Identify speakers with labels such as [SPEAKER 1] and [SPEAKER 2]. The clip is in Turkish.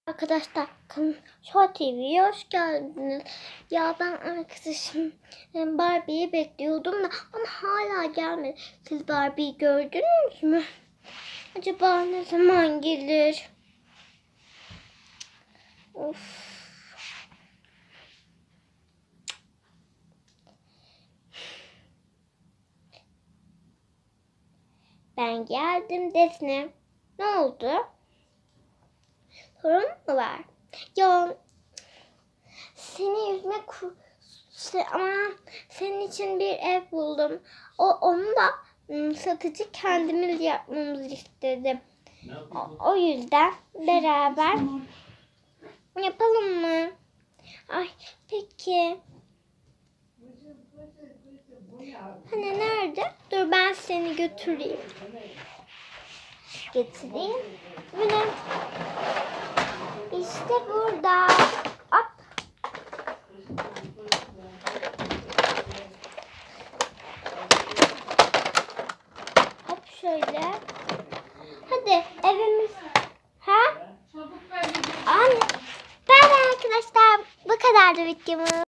[SPEAKER 1] Arkadaşlar Show TV'ye hoş geldiniz. Ya ben arkadaşım Barbie'yi bekliyordum da ama hala gelmedi. Siz Barbie'yi gördünüz mü? Acaba ne zaman gelir? Of. Ben geldim Defne. Ne oldu? Sorun mu var? Ya seni ama senin için bir ev buldum. Onu da satıcı kendimiz yapmamızı istedi. O yüzden beraber yapalım mı? Ay peki. Hani nerede? Dur ben seni götüreyim. Getireyim. Böyle. İşte burada. Hop. Hop şöyle. Hadi evimiz. Ha? Anne. Ben arkadaşlar bu kadardı videomuz.